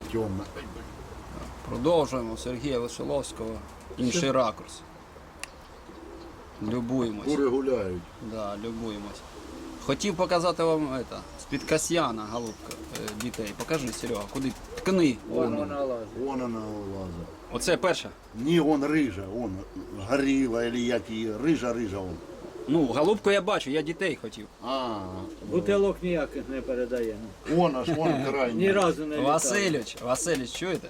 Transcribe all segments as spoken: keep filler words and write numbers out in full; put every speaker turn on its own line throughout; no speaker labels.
темно.
Продовжуємо Сергія Веселовського. Інший ракурс. Любуємось.
Кури гуляють.
Да, любуємось. Хотів показати вам это, з-під Касьяна, голубка, е, дітей. Покажи, Серега, куди? Ткни.
Вон
Вон.
вона лазить.
Вон вона лаза.
Оце перша.
Ні, он рижа, он горіла, или як її, рижа, рижа он.
Ну, голубку я бачу, я дітей хотів.
А,
Бутилок ніяких не передає.
он аж, вон крайній.
Ні разу не літала.
Васильович, Васильович, чуєте?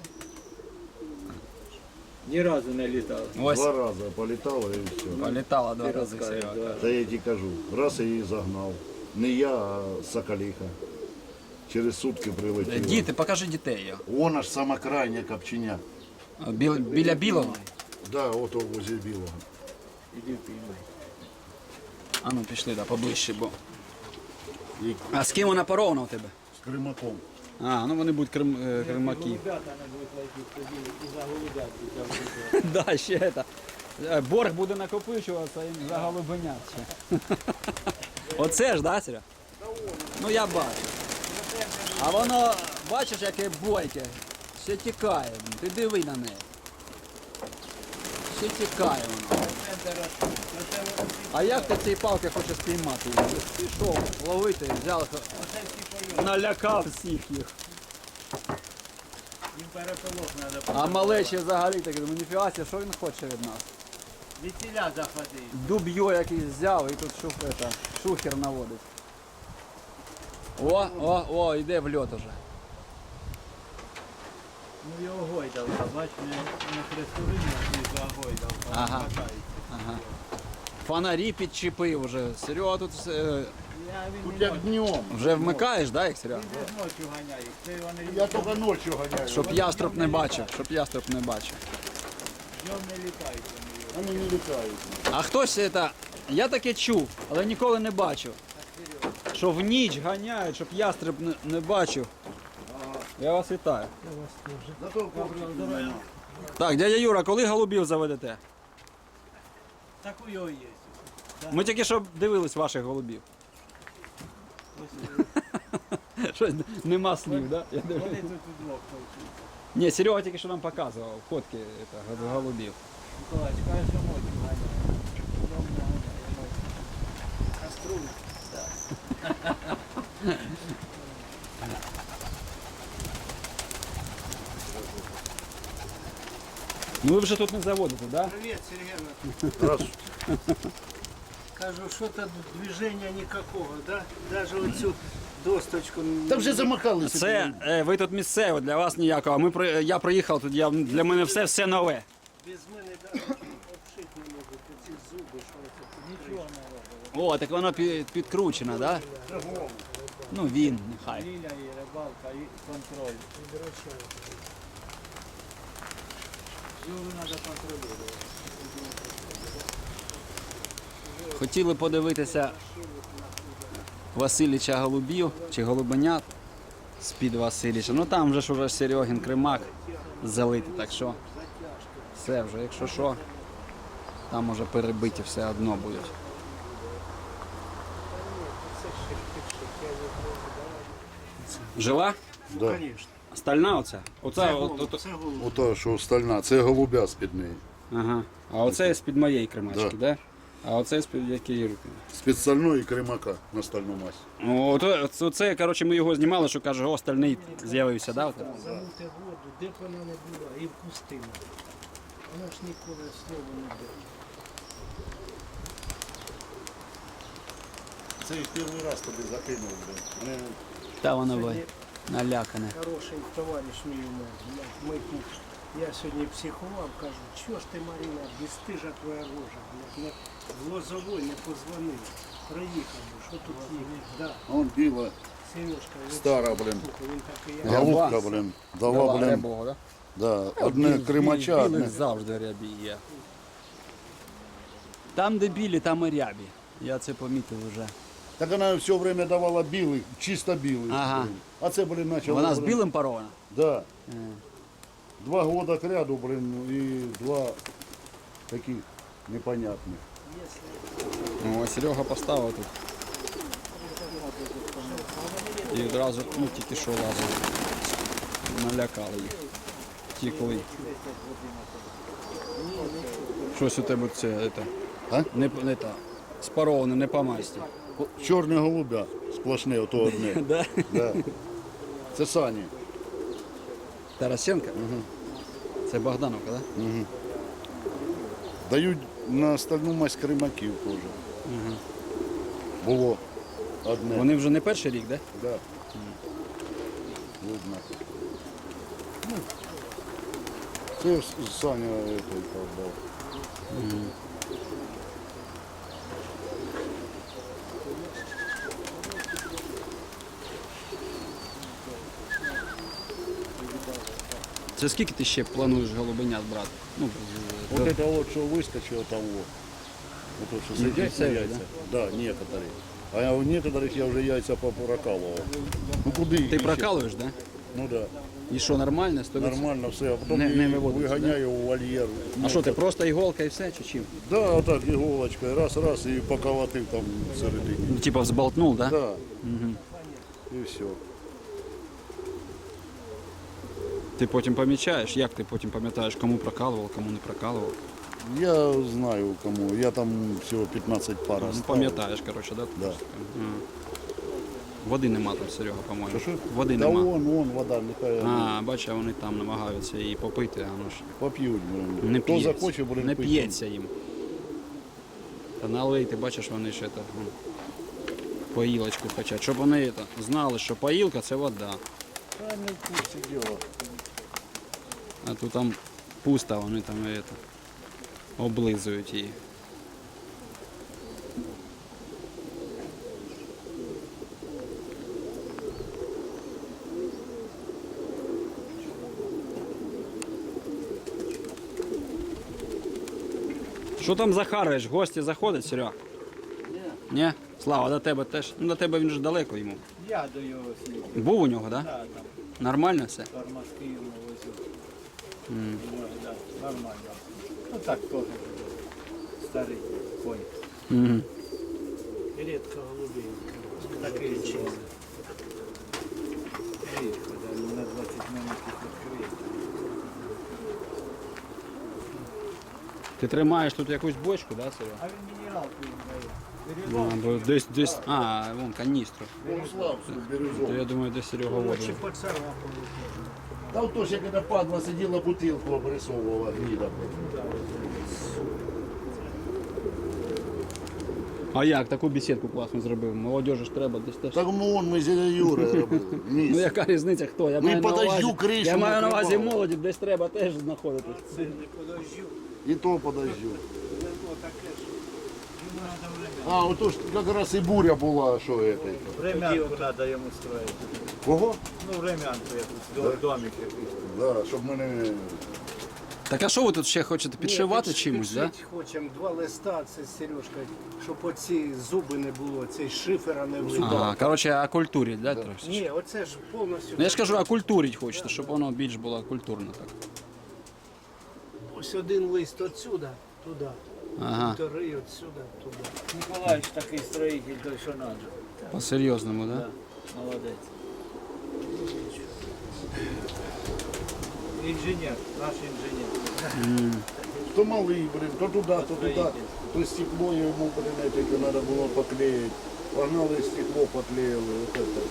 Ні разу не літала.
Ось,
Два рази політала і все.
політала два
Ти
рази,
розкажеш,
Серега.
да.
Та я ті кажу, раз я її загнав. Не я, а соколиха. Через сутки
Е,
прилетіла.
Діти, покажи дітей його.
Вон аж сама крайня копченя.
Біл, біля білого.
Да, от о, возле білого.
Іди піймай.
А ну пішли, да, поближче, бо.
І
А з ким вона поровна у тебе?
з кримаком.
А, ну вони будуть крим, е, кримаки.
Голубята не будуть летіти, тоді і за голубят.
Да, ще это. Е, Борг буде накопичуватися і за голубенят ще. Оце ж, да, Серега? Ну я бачу. А воно, бачиш, яке бойке. Ще тікає. Ти диви на неї. Ще тікає воно. А як ти цієї палки хочеш спіймати її? Пішов ловити, взяв, налякав всіх їх.
Їм переполох треба.
А малечі взагалі так, думаю, ніфіга себе, що він хоче від нас?
Вітіля захватив.
Дуб'йо якийсь взяв і тут шух, это, шухер наводить. О, о, о, йде в льот уже.
Ну його гойдалка, бач, не, не хрестовині, а його гойдалка.
Ага.
Хватається.
Ага. Фонарі підчепив уже. Серега тут е,
Я, він
Тут
не
як
може.
днем.
вже вмикаєш, да, їх, Серега?
Він десь ночі ганяє. Це вони
Я тільки ночі ганяю.
Щоб яструб не бачив, щоб яструб не бачив.
днем не літають вони.
Вони не літають.
А хтось це, я таке чув, але ніколи не бачив. Що в ніч ганяють, щоб яструб не, не бачив. Я вас вітаю.
Зато коврик нема.
Так, дядя Юра, коли голубів заведете?
Так у його є.
Ми тільки що дивились ваших голубів.
Ось
Щось нема слів, да? Я дивлюсь.
вони тут удвох толкують.
Ні, Серега тільки що нам показував фотки это, голубів.
Миколаївич, каже, що ночі ганяє. Днем не ганяє. Каструль.
Ну ви вже тут не заводите, да?
Привіт, Сергій.
Раз.
Кажу, що тут движення ніякого, да? Навіть оцю досточку.
Та вже замахалися.
Це е, ви тут місцево, для вас ніякого. Ми при- я приїхав тут, я, для мене все все нове.
Без мене навіть обшити не можуть, оці зуби, що це. Нічого не робить.
О, так воно під, підкручено, да? Ну він, нехай.
Ліля і рибалка, і контроль. Зуби треба контролювати.
Хотіли подивитися Василіча голубів чи голубенят з-під Василіча. Ну там вже ж уже Серегін кримак залитий, так що все вже, якщо що, там уже перебиті все одно будуть. Жива?
Да.
Стальна оця? Оця, от, от,
Це голуб.
Ото, що стальна, це голубя з-під неї.
ага. А оце з-під моєї кримачки,
Да.
да? А оце з-під якої руки?
З-під стальної кримака на стальну мазь.
О, то, це, це, коротше, ми його знімали, що каже, о, стальний з'явився, да? От?
Замути воду, де б вона не була, і в пустину. Вона ж ніколи слова не дає.
Це їх перший раз тобі закинув. Вони
Та воно ви налякане.
Хороший товариш мій у мене. Ми тут. Я сьогодні психував, кажу, чого ж ти, Марина, безстижа твоя рожа, блядь, не, в Лозовой не позвонив. Проїхав, що тут є? Да,
Он біла,
Сережка, він,
стара, блин.
слухай, він такий, я
Голубка, блин. Дала, блин.
рябого, да?
Да, одне кримача,
Білих
одне.
завжди рябі є. Там, де білі, там і рябі. Я це помітив вже.
Так вона все время давала білий, чисто білий.
Ага.
блин. А це, блин, почало.
Вона з
блин,
білим парована?
Да. Два года к ряду, блин, и два таких непонятных.
Ну, а Серега поставив тут. І одразу, ну, тільки що лазив. налякали їх. Тікли. Щось у тебе це, это,
А?
не, не та, спароване, не по масті.
Чорне голубя сплошне, ото одне.
Да?
Да. Це Сані.
Тарасенко? Угу. Це Богдановка, так? Да?
Дають на остальну мазь кримаків теж.
Угу.
Було одне.
Вони вже не перший рік, так? Да?
Да. Видно. Ну, це ж Саня этой продав.
Це скільки ти ще плануєш голубенят брати? Ну,
Вот
до-
это вот, что выскочило того. Вот то, что
Не
сидят на
все,
яйца. Да? Некоторые. А у некоторых я уже яйца попрокалывал. Ну куди їх
Ти
іще?
прокалуєш, так? Да?
Ну да.
І що, нормально? сто відсотків?
Нормально все. А потом
Не-
не,
не виводиться,
виганяю у вольєр.
А що, ти просто іголка і все, чи чим?
Да, отак іголочкою. Раз-раз і поколотив там всередині.
Ну, типа взболтнув, так? Да?
Да. І все.
Ти потім помічаєш, як ти потім пам'ятаєш, кому прокалував, кому не прокалував?
Я знаю кому. Я там всього п'ятнадцять пар
Ну,
оставив.
пам'ятаєш, коротше, да?
Да.
Ага. Води нема там, Серега, по-моєму.
Що, що?
Води
Та
нема.
вон, вон вода, нехай
А, бачиш, вони там намагаються її попити, а воно ж
поп'ють. блин.
не
Хто
п'ється.
захоче, буде
Не
пити.
п'ється їм. Та налий, ти бачиш, вони ще так, ну, поїлочку хочуть. Щоб вони это, знали, що поїлка це вода.
Та не в курсі діла.
А тут там пусто, вони там это, облизують її. Що там захариш? Гості заходять, Серега? Ні. Ні? Слава, до тебе теж. Ну, до тебе він ж далеко йому.
Я до його слів.
Був у нього, так? Да?
Да, там
Нормально все?
тормозки йому возю. Mm. Да, нормально. Ну так теж старий конь.
Угу.
Рідко голубів.
Такий чистий. Рідко, да, на двадцять минутів відкриє.
Ти тримаєш тут якусь бочку, да, Серега?
А він мінералку їм дає.
А, бо десь, десь, а, вон каністру.
Славську,
То
бірюзову.
я думаю, десь Серега воду.
Чи поцарапали теж.
Та то ж, як эта падла сиділа, бутилку обрисовувала гніда.
А як, таку бесідку класно зробив? Молодежі ж треба десь теж.
Так ну вон ми з Юрою робили.
Ну
Місце.
яка різниця, хто? Я
Ми
маю на
по дождю
увазі,
кришу
я маю на увазі
накривали.
молоді, десь треба теж знаходитись.
Це не подождю.
І то подождю.
Ну, таке ж. Йому треба время.
А, ото ж якраз і буря була, що це.
Времянку треба йому строїти.
Кого?
Ну, времянку якусь, до- домик якийсь.
Да, щоб мене...
Так а що ви тут ще хочете підшивати
Ні,
чимось, да?
підшить хочемо два листа, це Сережка, щоб оці зуби не було, цей шифера не влипав.
Ага, коротше, окультурить, да, трохи?
Ні, оце ж повністю.
Ну я ж кажу, окультурить хочете, щоб воно більш було культурно так.
Ось один лист отсюда, туди.
Ага,
Вторий отсюда, туди.
Ніколаївич такий строїтель, той що надо.
по-серйозному, да?
Молодець. Інженер, наш інженер.
То малий, блин, то туди, то туди. То стекло йому, блин, тільки треба було поклеїти. Погнали стекло, поклеїли. Вот это.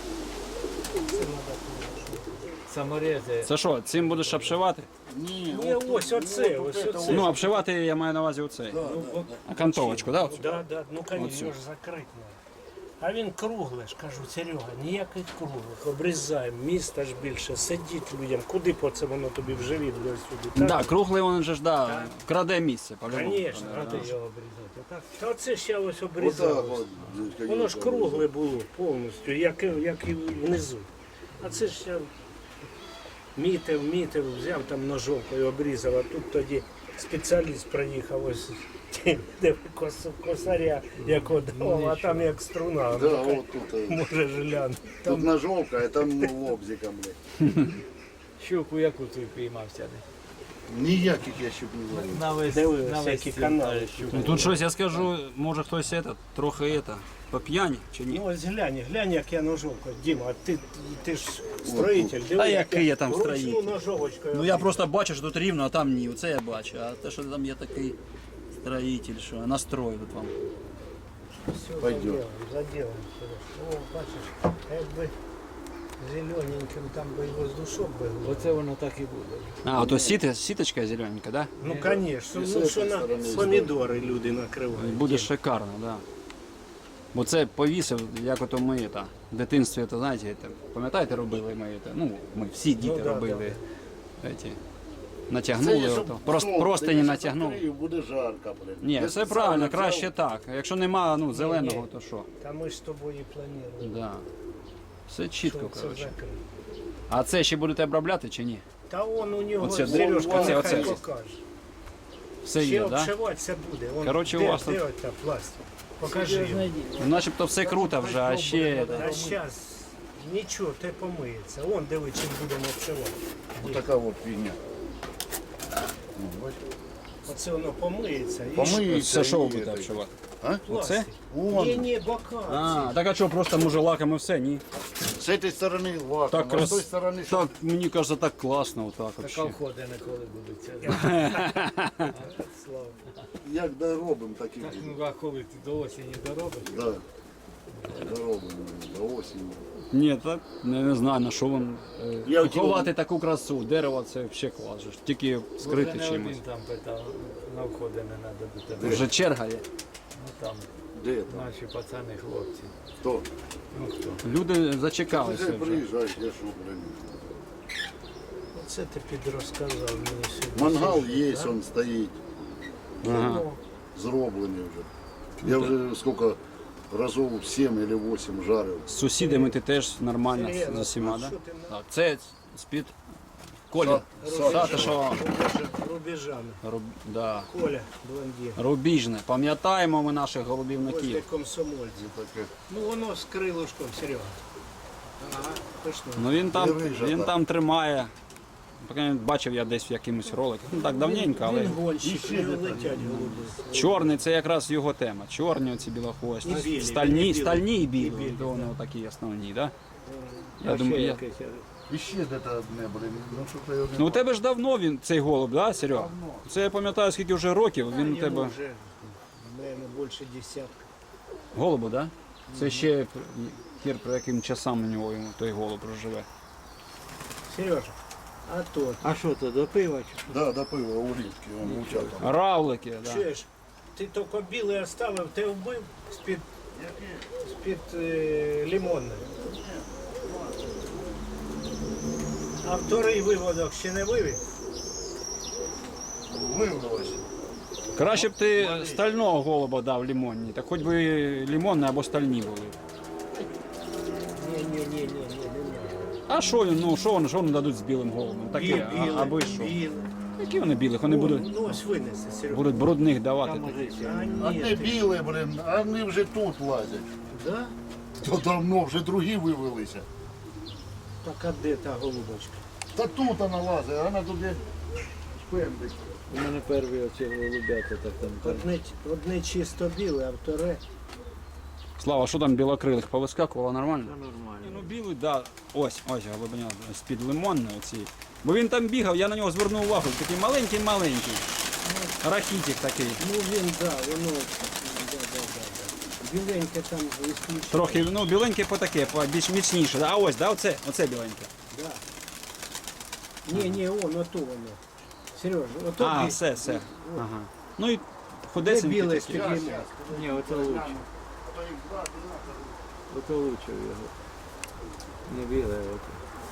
Саморези.
Це що, цим будеш обшивати?
Ні,
Ні,
от-
ось оце,
от
ось
это
оце.
Ну, обшивати я маю на увазі оцей. Окантовочку, да? оцю?
Да, да, ну
Оцю.
конечно, його ж закрити. А він круглий ж, кажу, Серега, ніяких круглих, обрізаємо, міста ж більше, сидіть людям, куди по це воно тобі в живіт для сюди?
Да, круглий він же ж, да, краде місце, по-любому.
Звісно, ради його обрізати. Отак. Та це ще ось
Отак
обрізалось.
от, звісно,
Воно ж кругле було повністю, як, і- як і внизу. А це ж я мітив, мітив, взяв там ножовкою, обрізав, а тут тоді спеціаліст приїхав ось де кос, косаря, як одав, а там як струна.
Да,
Ну,
от тут. е,
може жилян.
Тут ножовка, а там лобзиком, блин.
Щуку яку ти піймав сяде?
Ніяких я ще не ловив.
На весь,
Дивилися,
на весь
які
ці
канали.
щуки.
Ну тут щось я скажу, може хтось это, трохи это, по п'яні чи ні?
Ну ось глянь, глянь, як я ножовку. Діма, а ти, ти ж строїтель.
А який я там
вручну
строїтель?
ножовочкою.
Ну я просто бачу, що тут рівно, а там ні, оце я бачу. А те, що там є такий строїтель, що настрою тут вам.
Все
Пойдем.
заделаем, заделаем. О, бачиш, якби зелененьким там би і воздушок був.
Оце воно так і буде.
А, ото сіти, сіточка зелененька, да?
Ну, звісно,
І з
ну, що
цієї
на
сторони
помідори люди накривають.
Буде шикарно, да. Бо це повісив, як ото ми та, в дитинстві, то, знаєте, це, пам'ятаєте, робили ми це? Ну, ми всі діти
Ну, да,
робили. Ці,
Це
натягнули,
якщо
ото, просто,
сонце,
просто не
якщо
натягнули.
закрию, буде жарко, блин.
Ні,
Я
все
спеціально
правильно,
взяв.
краще так. Якщо нема ну, зеленого,
ні.
то що?
Та ми ж з тобою і планували.
Да. Все чітко,
що це
коротше.
закрити.
А це ще будете обробляти чи ні?
Та он у нього,
Оце,
Сережка,
оце,
нехай
оце.
покаже.
Все
Ще
є, так? Да?
обшиватися буде. Он,
Коротше,
де,
у вас
де
тут-
ота пластик? Покажи його.
Ну, начебто все круто вже, а ще.
Та зараз нічого, те помиється. Он диви, чим будемо обшивати.
Вот така от фігня. Ну, бачиш?
Оце воно помиється. І
Помиється.
Це що ви
і
будете
це.
обшивати?
А?
Оце?
Вон.
Ні, ні, бока.
А, так а що, просто може лаком і все, ні?
З цієї сторони лаком,
Так,
а з тої
крас...
сторони що?
так мені кажеться, так класно отак
Та
вообще.
колходи ніколи будуть. Це
Слава.
Як доробимо, так і
так,
буде.
ну а коли ти до осені доробиш?
Да. Доробимо до осені.
Ні, так не, не знаю, на що вам
Я
е,
хотів-
ховати таку красу. Дерево це взагалі клас. же ж. Тільки скрити
Вже не
чимось.
один там питав, на входи не треба до тебе.
Вже черга є.
Ну там
Де там?
наші пацани, хлопці.
Хто?
Ну хто?
Люди зачекалися
Нехай
вже.
приїжджають, я що, блин.
Оце ти підрозказав мені сьогодні.
Мангал
Сергій,
є,
да?
він стоїть,
Ага.
Ну,
зроблений вже. Я вже скільки разів сім або вісім жарив.
З сусідами ти теж нормально
Сергій,
з усіма,
а
так?
що ти на-
Так, це з-під Колі.
Са-
Сата, що
Рубежа- Рубежами.
руб... да.
Коля, блондин.
Рубіжне. Пам'ятаємо ми наших
Возле
голубівників.
комсомольців.
Таке.
Ну воно з крилушком, Серега. Ага, точно.
Ну він там,
Дивись,
він
так.
там тримає. Поки бачив я десь в якимось роликах. Ну так давненько, але
Він гонщик,
Іще
не
де
летять голуби.
чорний це якраз його тема. Чорні оці
І
білохвості.
білі,
Стальні,
білі,
стальні і
і
білі.
білі,
То вони
да.
такі основні, так?
А
Я думаю,
ще
я...
якесь,
І ще де то одне, блин. Ну що то його
Ну у тебе ж давно він цей голуб, да, Серега? Це я пам'ятаю, скільки вже років. Він у тебе
вже, мабуть, більше десятка.
голубу, да? Це ще хір про яким часам у нього йому той голуб проживе.
Сережа, а то,
А що то, до пива чи що?
Да, до пива у річки, он мовчав там.
Равлики, да.
чуєш, ти тільки білий оставив, ти вбив з-під, з-під е, лимонної. А вторий виводок ще не вивів?
Вивелося.
Краще б ти стального голуба дав лимонні, так хоч би лимонні або стальні були.
Ні, ні, ні, ні, ні, не
А що він, ну що вони, що вони дадуть з білим голубом? Таке, а, аби що?
білий.
Які вони білих? Вони будуть,
Ну ось винеси, Серега.
будуть брудних давати.
Там може ще.
А ні,
Одне
ти-
біле, блин, а вони вже тут лазять.
Да?
То давно вже другі вивелися.
Так а де та голубочка?
Та тут вона лазить, а вона туди шпендить.
У мене перші оці голубята, так там. там.
Одне, одне чисто біле, а вторе.
Слава, що там білокрилих повискакувало нормально?
Та нормально.
Ну білий, да. Ось, ось голубеня з-під лимонної оці. Бо він там бігав, я на нього звернув увагу. Такий маленький-маленький. Рахітик такий.
Ну він, да, воно. Да, да, да, да. Біленьке там ісключено.
Трохи, ну, біленьке по таке, по більш міцніше. Да? А ось, да, оце, оце біленьке.
Да. Ні, ні, он, ото воно. Сережа, ото
А,
бі-
все, все. Ага. Ну і
де
худесенький
біле
такий.
з-під лимон.
Ні, оце лучше. Оце лучше його. Не біле, оце.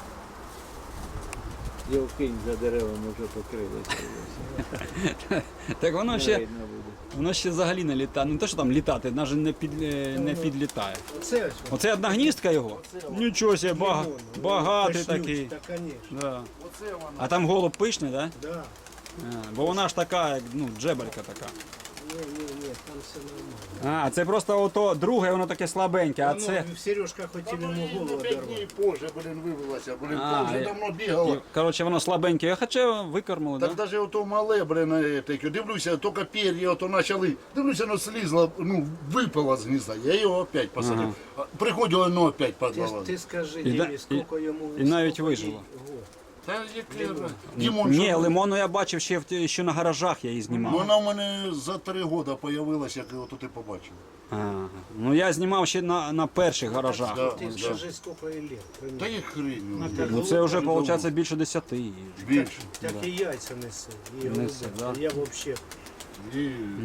Його кинь за деревом вже покрилося.
Так воно
Не
ще,
видно буде.
воно ще взагалі не літає. Не те, що там літати, навіть не, під, е, не підлітає.
Оце ось воно.
Оце одна гніздка його? Нічого себе, бага,
Лимон, ну,
багатий
пишнючий,
такий.
Та, конечно,
Да.
Оце вона.
А там голуб пишний, да?
да.
А, бо вона ж така, як, ну, джебелька така.
Ні, ні, ні, там все нормально.
А, це просто ото друге, воно таке слабеньке, а
Воно,
це.
Сережка хотів йому голову
Ну, п'ять
одорвати.
днів позже, блин, вивелася, блин,
А,
вже
і-
давно бігала.
І, коротше, воно слабеньке, хоча викормили,
Так
так? Да?
даже ото мале, блин, е, таке, дивлюся, тільки пер'я ото почали, дивлюся, воно слізло, ну, випало з гнізда, я його опять посадив. А приходило, воно опять
Ти, ж-
подвало.
ти скажи,
І да-
Дімі, скільки йому...
і навіть
скільки
вижило.
їй год.
Та яке, Дімон,
Ні,
що-
лимону я бачив ще, в ті- ще на гаражах, я її
Ну,
знімав.
вона в мене за три роки появилася, як його тут і побачив.
Ага. Ну я знімав ще на, на перших гаражах.
Да.
Ти скажи, скільки їй лет.
Та
примерно.
їх хрень.
Ну це вже виходить більше десяти.
Більше.
Так і яйця несе. І
Несе,
голубятня.
да.
Я взагалі...
І...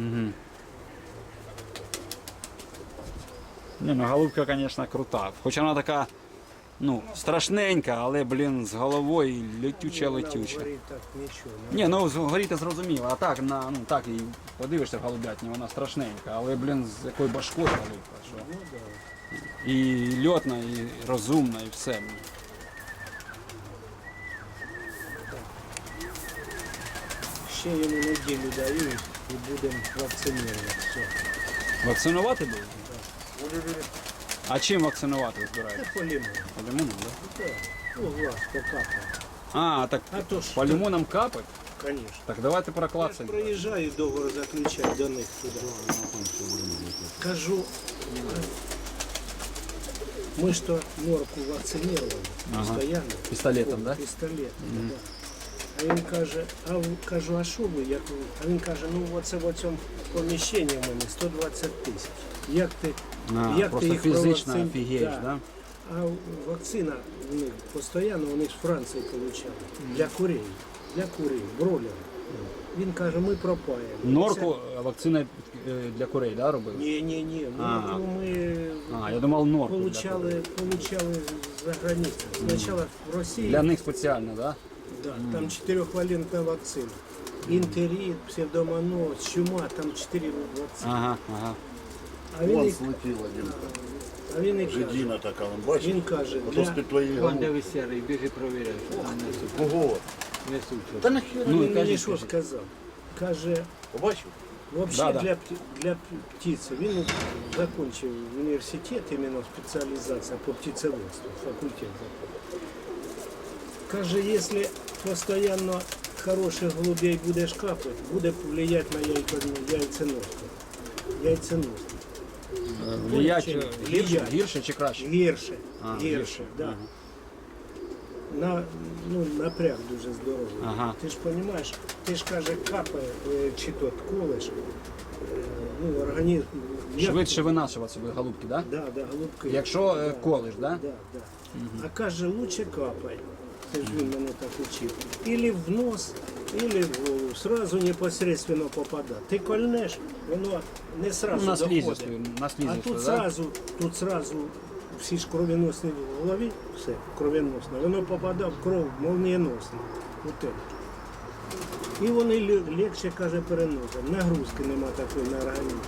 Ні, ну голубка, звісно, крута. Хоча вона така, ну, страшненька, але, блін, з головою летюча летюча.
Вона так нічого.
Ні, ну згоріти зрозуміло, а так, на, ну, так і подивишся в голубятні, вона страшненька, але, блін, з якою башкою голубка, що.
Ну, да.
І льотна, і розумна, і все. блін.
Ще йому неділю дають і будемо вакцинувати. Все.
Вакцинувати буде? А чим вакцинувати ви
Це
збираєте?
по лимону.
По лимону, так?
Так. Ну, глаз покапає.
А, так
А то ж,
по лимонам капать?
звісно.
Так давайте
Я ж
проклацаємо.
проїжджаю договор заключати до них туди. Кажу, ми ж то норку вакцинували постійно.
Пістолетом, да?
Пістолетом, да. А він каже, а в- кажу, а що ви? Як ви? А він каже, ну оце в цьому поміщенні в мене сто двадцять тисяч. Як ти,
А,
як
просто
ти їх
фізично
провакцин-
офігієш,
Да.
да?
А вакцина в них постійно, вони ж в Франції получали. Для курей. Для курей, бройлера. Він каже, ми пропаємо.
Норку е, вакцина е, для курей, да, робили?
Ні, ні, ні.
А.
Ну, ми
А, я думав норку. Для,
получали, получали за границю. Спочатку в Росії,
для них спеціально, да?
да, там чотирьохвалентна вакцина. Інтерит, псевдомоноз, чума, там чотири вакцини.
Ага, ага.
А він,
Вон
і-
слетіла, Дімка.
а він і каже,
Жидіна така, вон, бачиш?
він каже,
Ото
для,
з-під твоєї
Вон
голови.
де ви серий, біжи провіряй, що там несуть.
Кого?
Несуть.
Та нахера?
він
Ну, і
мені
кажіть,
що
кажіть.
сказав? Каже,
Побачив?
вообще
Да, да.
для, пти- для п- птицы. Він закончив університет, іменно спеціалізація по птицеводству, факультет закончив. Каже, якщо постійно хороших голубей будеш капати, буде впливати на яйко- яйценоску. Яйценоску.
Влиять
Чи-
е, гірше,
влиять.
гірше чи краще?
Гірше.
А,
гірше,
гірше,
да.
ага.
На, ну, напряг дуже здоровий.
Ага.
Ти ж розумієш, ти ж каже, капає, е, чи то колеш, е, ну, організм. як-
Швидше винашуватися будуть голубки, да?
Да, да, голубки.
Якщо е,
Да.
колиш, да?
Да, да. А каже, лучше капай. Це ж він мене так учив. Или в нос, или в голову. Сразу непосредственно попадає. Ти кольнеш, воно не
Ну,
сразу
на слізі,
доходить.
на
А
слізі,
тут
да?
сразу, тут сразу всі ж кровеносні в голові, все, кровеносне, воно попадає в кров молнієносно. От це. І вони ле- легше, каже, переносять. Нагрузки нема такої на організм.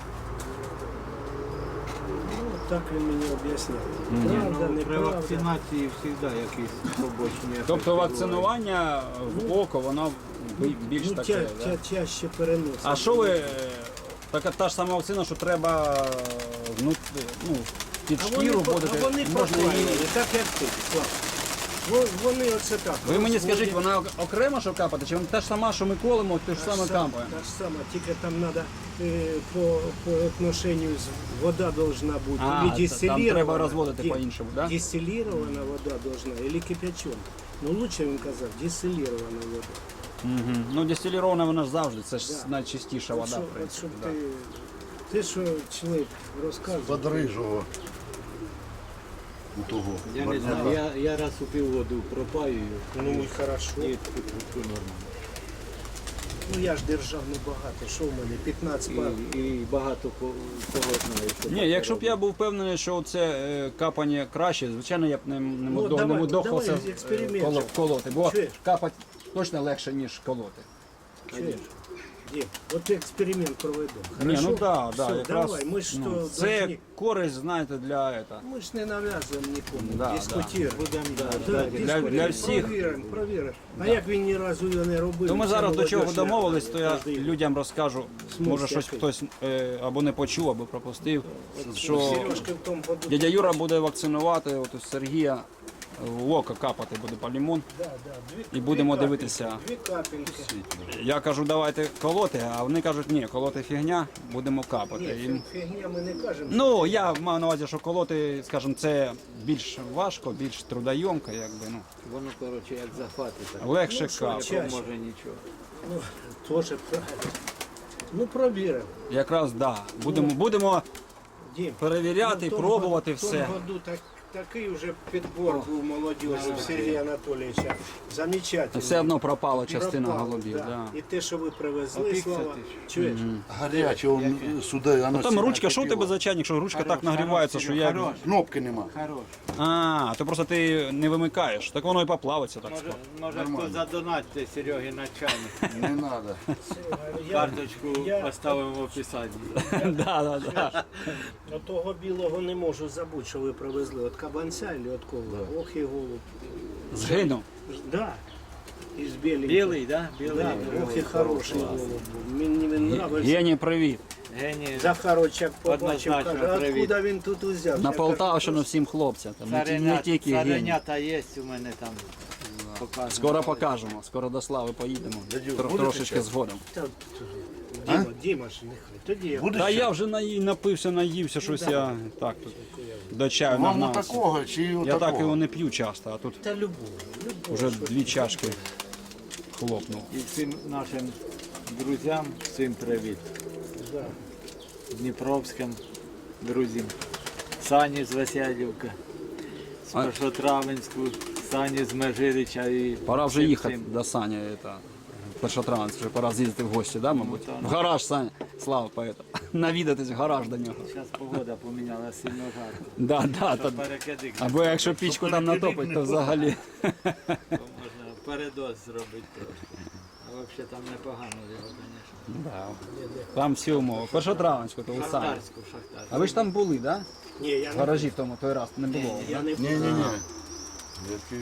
Ну, так він мені об'ясняв. Правда,
Ну, при
неправда.
вакцинації завжди якісь побочні ефекти
Тобто
бувають.
вакцинування в око, воно бі- більш
Ну,
таке,
тя,
да?
тя, чаще переносить.
А що ви, е, така та ж сама вакцина, що треба е, внут, ну, під
А вони,
шкіру
по-
будете,
а вони
можна її...
попаювали, так як ти, Слав. Во- Вони оце так.
Ви мені скажіть,
розводять.
вона окремо що капати, чи вона та ж сама, що ми колемо, те ж
Та
саме
ж сама-
капаємо?
Та ж сама, тільки там треба по, по отношенню з вода должна бути
А,
или
там
дистиллирована.
треба розводити
ди-
по-іншому, да?
Дистиллирована вода должна, или кипячена. Ну лучше він казав, дистиллирована вода.
Угу. Ну, дистилірована вона ж завжди, це ж
Да.
найчистіша
От
вода,
що-
в
от
принципі.
щоб
Да.
ти, ти що чоловік розказує.
Подрижого. У того.
Я не знаю, я, я раз у півгоду пропаюю.
Ну і хорошо.
І тут нормально.
Ну я ж держав небагато, що в мене, п'ятнадцять пар.
І, і багато ко- кого знаю, що
Ні,
таке
якщо б я
роблять.
був впевнений, що це е, капання краще, звичайно, я б не, не,
Ну,
мудох-
давай,
не мудохався
давай,
е,
експеримент
коло-
же.
колоти, бо
Чуєш?
капати точно легше, ніж колоти.
Чуєш? Дім, от експеримент проведемо.
Ні,
Хорошо?
ну да, да,
Все,
якраз,
давай, ми ж
ну,
то
це
должны-
користь, знаєте, для этого.
Ми ж не нав'язуємо нікому,
Да,
дискутуємо.
Будемо
Да,
для-
дискутуємо.
для всіх.
Провіримо, провіримо. А як він ні разу його не робив?
То ми
це
зараз до чого
молодіж
домовились, то я
кожен-
людям розкажу,
Смисл
може щось
який?
хтось е, або не почув, або пропустив, що
Сережки в тому году.
дядя Юра буде вакцинувати, от у Сергія в око капати буде полімон.
Да, да, дві-
І будемо
дві
дивитися.
капельки, Дві капельки.
Я кажу, давайте колоти, а вони кажуть, ні, колоти фігня, будемо капати.
Ні,
І,
фігня ми не кажемо.
ну, я маю на увазі, що колоти, скажімо, це більш важко, більш трудойомко, якби, ну,
Воно, коротше, як захвати, так
легше
Ну, що,
капати.
ча-
не поможе нічого.
Ну, теж правильно. Ну, провіримо.
Якраз да. Будемо, будемо
Дім.
перевіряти,
Ну, в тому
пробувати
году- В
все.
тому году так, такий вже підбор був молодіжі в Сергія Анатолійовича. Замечательно.
Все одно пропала частина
Пропало,
голубів.
да.
Да.
І те, що ви привезли,
Опікся
слава.
ти ж.
Чуєш?
Гаряче, он сюди, воно
Ну, там
сильно
ручка, що у
кипіло.
тебе за чайник, що ручка так
Хорош,
нагрівається,
хорош,
що я.
хорош.
Кнопки нема.
Хорош.
А, то просто ти не вимикаєш, так воно і поплавиться так
Може,
скоро.
може
Нормально.
хто задонатьте Серегі на чайник.
Не треба.
Я
Карточку
я-
поставимо в описанні.
Да, да, да.
от того білого не можу забути, що ви привезли. От кабанця і от кого. Ох і голуб.
Згинув.
Да. Із біленьким.
Білий, да? Білий.
Да, ох і хороший голуб був. Мені він нравився.
Гені, привіт.
Геній.
Захарочак побачив,
Однозначно,
каже,
привіт.
откуда він тут узяв?
На
Я
Полтавщину всім хлопцям. Там не, ті- не
Царенята,
тільки гені.
царенята є у мене там. Покажемо.
Скоро покажемо, скоро до Слави поїдемо.
Дядю,
Тро-
будете
Трошечки
чай?
згодом.
Та, Діма, Діма ж нехай. Тоді я.
Буде
Та
ще?
я вже наї- напився, наївся, щось я так тут до чаю
Вам на
нагнався.
такого чи
Я
отакого?
так його не п'ю часто, а тут
Та любого, любого.
вже дві чашки хлопнув.
І всім нашим друзям всім привіт.
Да.
Дніпровським друзям. Сані з Веселівки, з
А-
Першотравенську, Сані з Межирича і
Пора вже
всім
їхати
цим.
до Сані. Это, першотравенець, вже пора з'їздити в гості, да, мабуть?
Ну, так.
В гараж, Саня. Слава поета. Навідатись в гараж до нього.
Зараз погода поміняла сильно жарко.
Да, да,
Що
та,
перекидик,
або якщо пічку там натопить, то взагалі.
то можна передоз зробити трохи. А взагалі там непогано його, звісно.
Да. Там всі умови. Першотравенську, то у Сані.
Шахтарську, шахтарську.
А ви ж там були, да?
Ні, я
В
не,
гаражі в тому той раз не було.
я
да?
не
Ні-ні-ні. Який-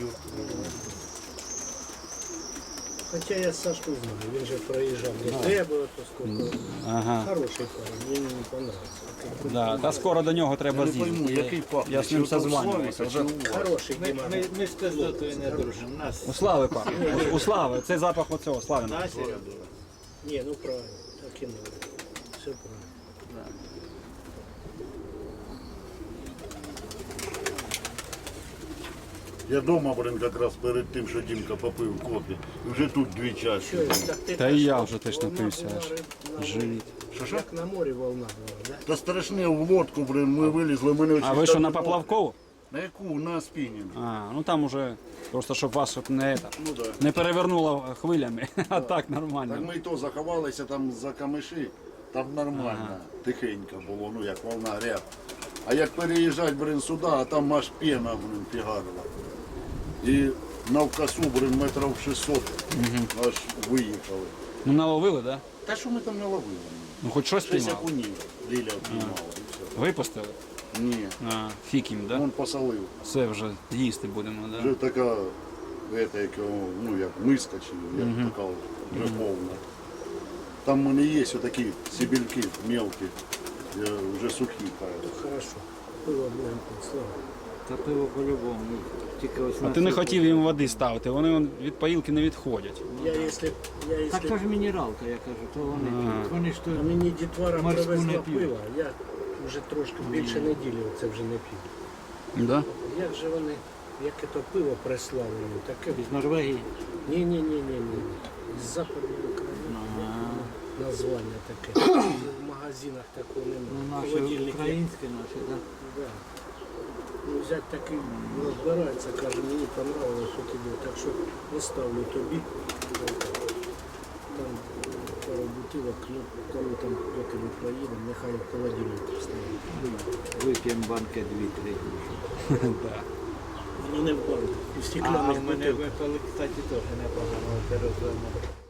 Хоча я Сашку знаю, він же проїжджав до тебе, то скільки.
Ага.
Хороший парень, мені не понравився.
Да. Та скоро до нього треба
Я не пойму,
з'їздити.
який пахне,
Я з ним
чи ото
созванювався.
Славіка,
Вже...
чи у вас?
Хороший
Ми,
Діма.
ми, ми з пиздотою не дружимо. Нас
У Слави пахне. У- У Слави. Це запах оцього Славина.
на Серега.
Ні, ну правильно, так і надо. Все правильно.
Я дома, блин, якраз перед тим, що Дімка попив кофе. І вже тут дві чашки.
Що, так ти
Та і
теж
я
що,
вже теж
волна
напився
була,
аж.
риб- на
Живіт.
морі? Як на морі волна була, да?
Та страшне в лодку, блин, ми вилізли, мене
А ви що на Поплавкову?
На яку? На спінінг.
А, ну там уже просто щоб вас щоб не, это,
Ну да.
не перевернуло хвилями. А так
Так
нормально.
ми і то заховалися там за камиші, там нормально, тихенько було, ну як волна ряб. А як переїжджати, блин, сюди, а там аж пена, блин, фігарила. І навкасу, блин, метрів шістсот аж виїхали.
Ну наловили, да?
Та що ми там наловили?
Ну хоч щось
Шість
піймали.
окунів Ліля впіймала і все.
Випустили?
Ні,
А, фік їм, да?
він посолив.
Все вже їсти будемо, да?
Вже така, это, як, його, ну як миска чи як така от, вже повна. Там в мене є отакі сибільки мелкі, е, вже сухі. кажуть.
Хорошо. Пиво будемо пити, слава.
Та пиво по-любому. Тільки ось
А
на
ти не
цю-
хотів їм води ставити, вони вон від поїлки не відходять.
Я якщо, я
Так
якщо...
то ж мінералка, я кажу, то вони п'ють. Вони ж то
А мені дітвора
Морську
привезла
не п'ють.
пиво, я вже трошки більше неділі це вже не п'ю.
Да?
Як же вони, яке то пиво прислали, мені, таке...
з Норвегії.
Ні-ні-ні-ні, з Западної України. Названня таке. В магазинах такого
Ну,
немає.
наші
Холодильник є.
українські наші, так?
Да. Ну, взять такий розбирається, каже, мені понравилось, що тобі, так що оставлю тобі. Там пару бутилок, ну, коли там поки ми проїдемо, нехай в холодильник вставить.
Вип'ємо банки дві-три.
Да.
Ну не в банку, у
А
стекляних
в мене
бутилках.
випили, кстати, теж непогано. Це розумно.